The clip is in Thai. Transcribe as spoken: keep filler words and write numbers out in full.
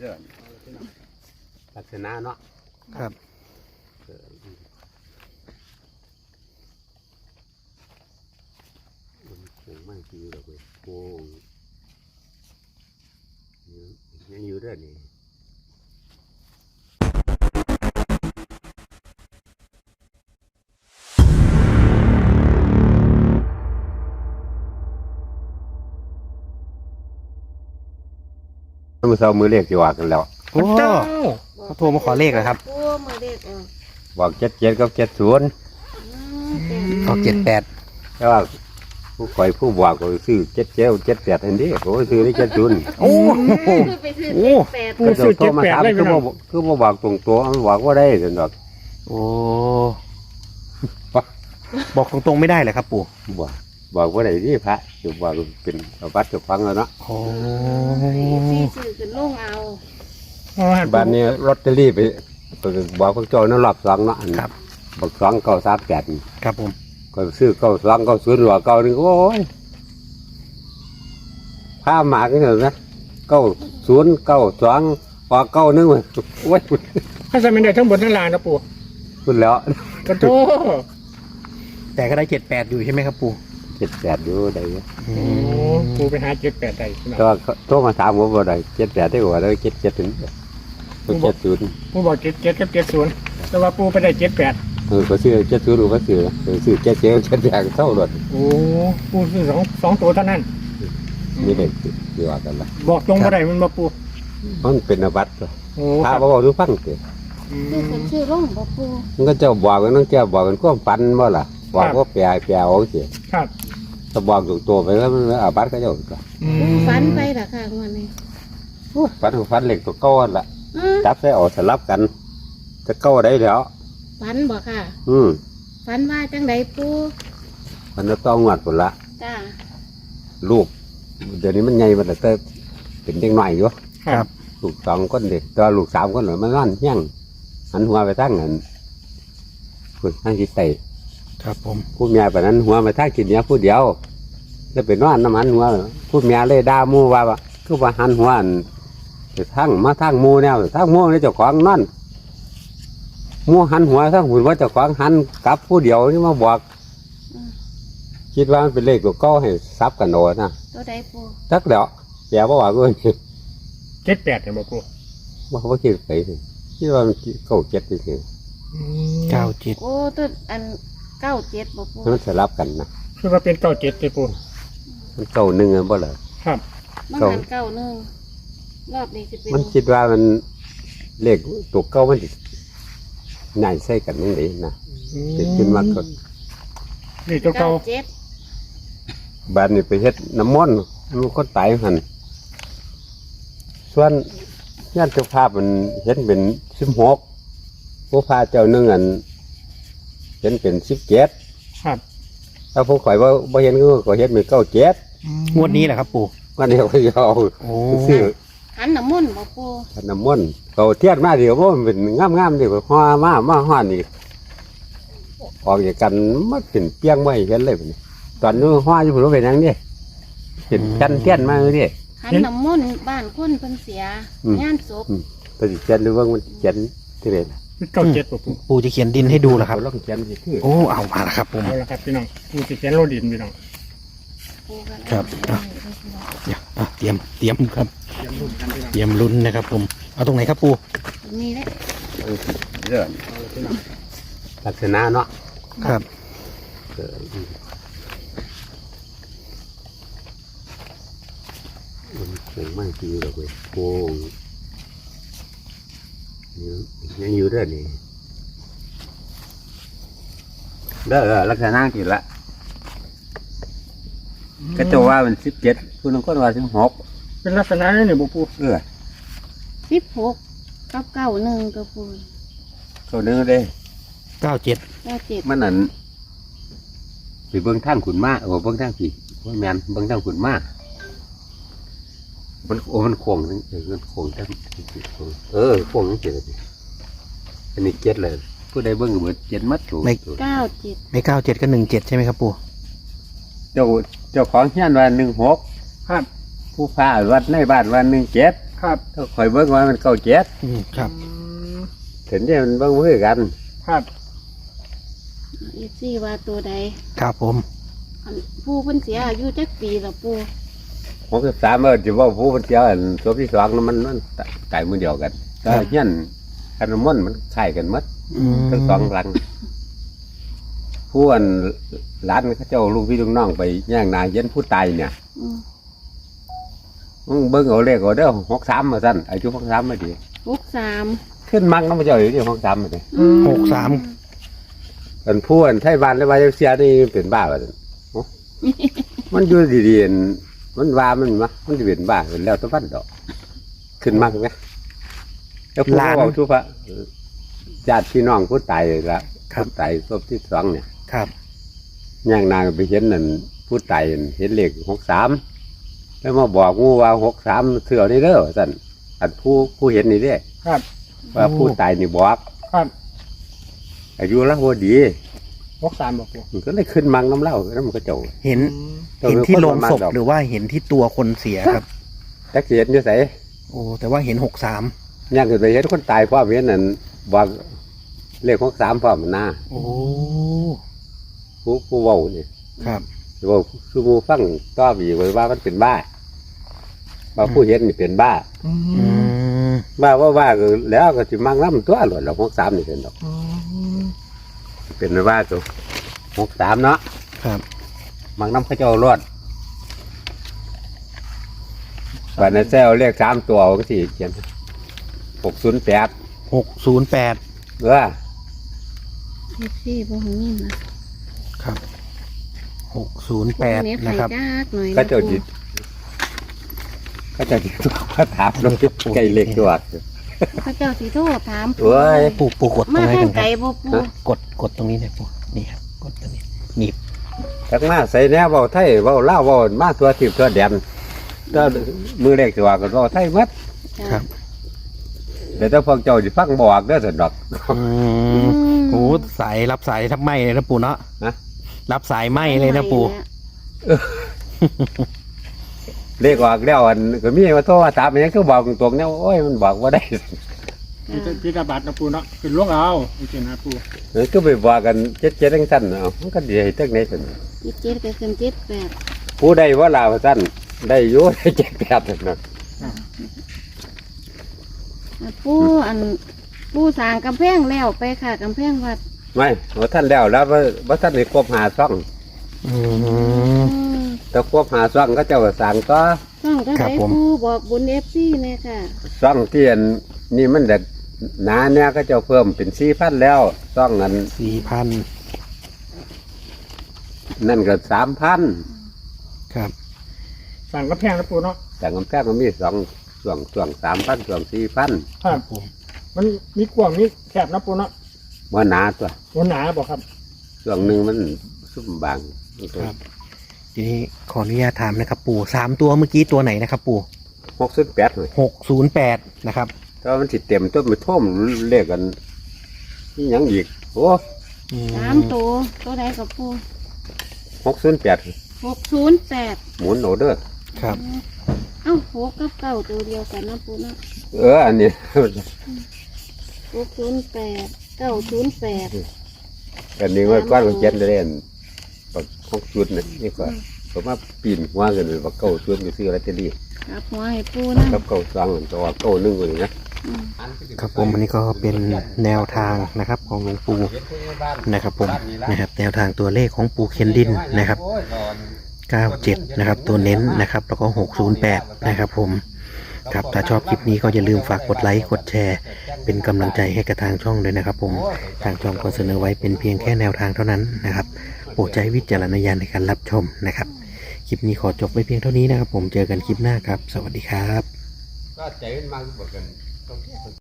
ลักษณะเนาะครับมันโค้งมากทีเราไปโค้งยังอยู่ด้วยนี่มือเช้ามือเรียกจีว่ากันแล้วโอ้เขาโทรมาขอเลขเหรอครับโอ้มือเด็กออกบอกเจ็ดเจ็ดกับเจ็ดศูนย์เขาเจ็ดแปดแต่ว่าผู้คอยผู้บอกก็ซื้อเจ็ดเจ็ดเจ็ดแปดอันนี้โอ้ซื้อได้เจ็ดศูนย์โอ้ไปซื้อเจ็ดแปดก็จะโทรมาถามคือบ่คือบ่บอกตรงตัวมันบอกว่าได้สนดอกโอ้บอกตรงๆไม่ได้เลยครับปู่บอกบอกว่าได้ที่พระอยู่บอกเป็นวัดจะฟังแล้วเนาะโอ้ที่ซื้อขึ้นลงเอาบ้านนี้ลอตเตอรี่ไปบอกพวกเจ้านั่นรอบสองเนาะครับบอกสองเก้าสามแปดครับผมก็ซื้อเก้าสองเก้าศูนย์หรือว่าเก้าหนึ่งโอ้ยผ้าหมากนี่เหรอนะเก้าศูนย์เก้าสองพอเก้าหนึ่งเลยโอ้ยถ้าจะไม่ได้ทั้งบนทั้งล่างนะปู่พูดแล้วกระโถแต่ก็ได้เจ็ดแปดอยู่ใช่ไหมครับปู่เจ็ดแปดอยู่ได้โอ้ปู่ไปหาเจ็ดแปดได้แต่ว่าโทรมาถามผมว่าได้เจ็ดแปดได้กว่าได้เจ็ดเจ็ดถึงเจ็ดศูนย์ปู่บอกเจ็ดเจ็ดกับเจ็ดศูนย์แต่ว่าปู่ไปได้เจ็ดแปดเออก็ซื้อเจ็ดศูนย์หรือก็ซื้อซื้อเจ็ดเจ็ดเจ็ดแปดเท่าหมดโอ้ปู่ซื้อสองสองตัวเท่านั้นมีเด็กดีว่ากันละบอกตรงบ่ได้มันมาปู่มันเป็นอาบัติโอ้ถ้าบอกดูฟังเกิดคือคนชื่อร่องบ่ปู่มันก็จะบอกกันต้องแก้บอกกันก็ฟันบ่ล่ะบอกว่าแปลแปลเอาสิครับถ้าบอกถูกตัวไปแล้วมันอาบัติก็จะก็ฟันไปล่ะค่ะวันนี้ฟันฟันเหล็กตัวก้อนละจับใส่ออกสลับกันจะก้าได้แล้วฟันบ่ค่ะอืมฟันว่าจังไดปู่มันจะต้องงวดผลละจ้าลูกเดี๋ยวนี้มันใหญ่มันแต่เป็นเด็กหน่อยอยู่ครับลูกสองคนเด็กตัวลูกสามคนหน่อยมันนั่นเที่ยงหันหัวไปตั้งเงินคุณให้คิดไตครับผมพูดเมียแบบนั้นหัวไปตั้งกินเนี้ยพูดเดียวแล้วเป็นนอนน้ำมันหัวพูดเมียเลยด่ามูว่าคือว่าหันหัวไปทั้งมาทั้งมูแนวทั้งมูนี่เจ้าของนั่นมูหันหัวทั้งหุ่นว่าเจ้าของหันกลับผู้เดียวนี่มาบอกคิดว่ามันเป็นเลขตัวเก้าให้ซับกันโดนนะตัวใดปู่ทักเดี๋ยวแย่บ่ว่ากูเจ็ดแปดเนี่ยบอกปู่ว่าเขาคิดไปสิคิดว่ามันเก้าเจ็ดสิเก้าเจ็ดโอ้ตัวอันเก้าเจ็ดบอกปู่มันสลับกันนะคือว่าเป็นเก้าเจ็ดเลยปู่มันเก้าหนึ่งอ่ะบ่เลยครับมันหันเก้าหนึ่งรอบนี้จะเป็นมันคิดว่ามันเลขตัวเก้ามันใหญ่ใส่กันยังไงนะจะขึ้นมากกว่านี่ตัวเก้าเจ็ดบ้านนี่ไปเฮ็ดน้ำมนต์มันก็ตายหันส่วนญาติเจ้าภาพมันเห็นเป็นสิบหกผู้พาเจ้าหนึ่งอันเห็นเป็นสิบเจ็ดครับถ้าผู้ข่อยว่าบ่เห็นก็ก็เห็นเป็นเก้าเจ็ดงวดนี้แหละครับปู่วันนี้เขาจะเอาซื้อหันน้ำมนต์บอกปู่หันน้ำมนต์เขาเทียนมาเดี๋ยวมันเป็นงามๆเดี๋ยวห่อมามาห่อนี่ออกจากกันมันเป็นเปียงไม่เห็นเลยตอนนู้นห่ออยู่ผมเป็นยังนี่เป็นกันเทียนมาเลยหันน้ำมนต์บ้านคนเพิ่นเสียงานศพแต่เขียนหรือว่ามันเขียนที่ไหนเก้าเจ็ดปู่ปู่จะเขียนดินให้ดูเหรอครับลองเขียนสิโอ้เอามาแล้วครับผมเอาละครับพี่น้องปู่จะเขียนโลดินพี่น้องครับเดี๋ยวเตรียมเตรียมครับเตรียมลุ้นนะครับผมเอาตรงไหนครับปู่นี่แหละเรื่องลักษณะเนาะครับมันโค้งมากทีเราไปโค้งยังอยู่ด้วยนี่เด้อลักษณะกี่ละก็จะว่ามันสิบเจ็ดคุณน้องก็ว่าสิบหกเป็นลักษณะนี่เนี่ยบอกปู่เออสิบหกกับเก้าหนึ่งกับปู่เก้าหนึ่งเลยเก้าเจ็ดเก้าเจ็ดมันนั่นไปเบิ้งทางขุนม้าโอ้เบิ้งทางผีว่าแมนเบิ้งทางขุนม้ามันโอ้มันโค้งนั่นเออมันโค้งทั้งเออโค้งทั้งเจ็ดเลยอันนี้เจ็ดเลยผู้ใดเบิ้งเหมือนเจ็ดมัดถูกเก้าเจ็ดไม่เก้าเจ็ดก็หนึ่งเจ็ดใช่ไหมครับปู่เจ้าเจ้าของเฮียนวันหนึ่งหกครับผู้พาวัดในบ้านวันหนึ่งเจ็ดคครับถ้าคอยเบิ่งว่ามันเก้าเจ็ดอืมครับอืมเห็นเนี่ยมันเบิ่งมือกันครับเอฟซีว่าตัวใดครับผมอันปูเพิ่นเสียอายุจักปีละปูหกสิบสามเออจะว่าผู้มันเจ้าอันศพที่สองนั้นมันมันตายมือเดียวกันก็เฮี้ยนคันน้ำมันต์มันคล้ายกันหมดอืมทั้งสองหลังผู้อันหลานเขาเจ้าลูกพี่ลูกน้องไปย่างนาเย็นผู้ตายเนี่ยอืมมึงเบิ่งเอาเลขเอาเด้อหกสามมาสั้นอายุหกสามมาดีหกสามขึ้นมังน้ำมันเจ้าอยู่ที่หกสามมาเลยหกสามอันผู้อันไทยบ้านและวาเสียนี่เป็นบ้าไปเลยมันอยู่ดีๆอันมันว่ามันมะมันจะเป็นบ้าเป็นแล้วแตะวันดอกขึ้นมังไหมแล้วผู้เขาทุกพระญาติพี่น้องผู้ตายละผู้ตายศพที่สองเนี่ยครับย่างนางไปเห็นนั่นผู้ตายเห็นเลขหกสามแล้วมาบอกงูว่าหกสามเสือนี่เด้อสั่นอันผู้ผู้เห็นนี่เด้ครับว่าผู้ตายนี่บอกครับอายุละพอดีหกสามบอกปูมันก็เลยขึ้นมังน้ำเหล้าแล้วมันก็เจ้าเห็นอืมเห็นที่โลงศพดอกหรือว่าเห็นที่ตัวคนเสียครับแท็กซี่เห็นอยู่ไสโอ้แต่ว่าเห็นหกสามย่างขึ้นไปเห็นคนตายพ่อเห็นนั่นบอกเลขหกสามพ่อมันหน้าโอ้ผู้ผู้เว้านี่ครับเว้าคือหมูฟังต้อบีไว้ว่ามันเป็นบ้าว่าผู้เห็นนี่เป็นบ้าอือืมมบ้าว่าว่าก็แล้วก็สิมังน้ำตัวหล่นแล้วหกสามนี่เป็นดอกอืมเป็นว่าตัวหกสามเนาะครับมังน้ำเขาเจ้ารอดวันนั้นแซวเรียกสามตัวก็สี่เขียนหกศูนย์แปดหกศูนย์แปดเออเอฟซีบ่หูยินนะครับหกศูนย์แปดเน็ตนะไฟครับจักหน่อยก็เจ้าจิตก็เจ้าจิตตัวก็ถามเราไก่เล็กตัวพระเจ้าสิโทษถามเอ้ยปูปูกดตรมางนี้ทางกันคไกลรับบ่ปูกดกดตรงนี้เลยปูนี่ครับกดตรงนี้หนีบจากมาใส่แนวเบาไทยเบาเล่าวเบามาตัวทิพย์ตัวแดนก็มือเล็กตัวก็เบาไทยหมัดจ้ะครับเดี๋ยวถ้าพวกเจ้าจะฟังบอกเด้อสนดอกอืมโอ้สายรับสายทับไหมเลยนะปูเนาะฮะรับสายไหมเลยนะปูเลขออกแล้วอันก็มีว่าโทรมาถามมันยังคือบอกตรงๆเนี่ยโอ้ยมันบอกว่าได้พี่จะพี่จะบัตรนะปูเนาะขึ้นลงเอาโอเคนะปูเออก็ไปบอกกันเจ็ดเจ็ดทั้งสั้นเอามันก็ดีให้ตั้งในสันเจ็ดเจ็ดก็ขึ้นเจ็ดแปดผู้ใดว่าลาวสั้นได้อยุ่ได้เจ็ดแปดนั่นนะอ่ะปูอันปูสร้างกำแพงแล้วไปค่ะกำแพงวัดไม่ว่าท่านแล้วแล้วว่าว่าท่านได้ครบหาซ่องอืมอืมแต่ครบหาซ่องก็เจ้าก็สั่งต่อต้องก็ครับได้ผมปูบอกบุญเอฟซีเนี่ยค่ะซ่องที่อันนี่มันเด็กหนาเนี่ยก็เจ้าเพิ่มเป็นสี่พันแล้วซ่องนั้นสี่พันนั่นก็สามพันครับสั่งกระแพงนะปูเนาะแต่กำแพงมันมีสองส่วงส่วงสามพันส่วงสี่พันครับผมมันมีกว้างมีแคบนะปูเนาะว่าหนาตัวมันหนาบอกครับส่วงหนึ่งมันซุ่มบางครับทีนี้ขออนุญาตถามนะครับ ปู่สามตัวเมื่อกี้ตัวไหนนะครับ ปู่หกสิบแปดเลยหกศูนย์แปดนะครับถ้ามันสิเต็มต้นมันท่วมเลขกันนี่ยังอีกโอ้อืสามตัวตัวใดกับปูหกศูนย์แปดหกศูนย์แปดหมุนโอเดอร์ครับเอ้าหกกับเก้าตัวเดียวกันนะปูเนาะเอออันนี้หกศูนย์แปดเก้าศูนย์แปดอันนี้ว่าก้อนของเจ็ดเล่นบักหกชุดนี่นี่ก็ผมว่าปีนหัวกันเลยบักเก้าชุดอยู่ซื้อลอตเตอรี่ครับหัวให้ปูนะกับเก้าสองตัวเก้าหนึ่งคนนี้นะอืมครับผมอันนี้ก็เป็นแนวทางนะครับ ของหลวงปู่นะครับผมนะครับ แนวทางตัวเลขของปู่เคนดินนะครับเก้าเจ็ดนะครับ ตัวเน้นนะครับ แล้วก็หกศูนย์แปดนะครับ ผมครับถ้าชอบคลิปนี้ก็อย่าลืมฝากกดไลค์กดแชร์ เป็นกำลังใจให้กับทางช่องด้วยนะครับ ผมทางช่องก็เสนอไว้เป็นเพียงแค่แนวทางเท่านั้นนะครับโปรดใช้วิจารณญาณในการรับชมนะครับคลิปนี้ขอจบไว้เพียงเท่านี้นะครับ ผมเจอกันคลิปหน้าครับ สวัสดีครับก็ใจมันมาบอกกัน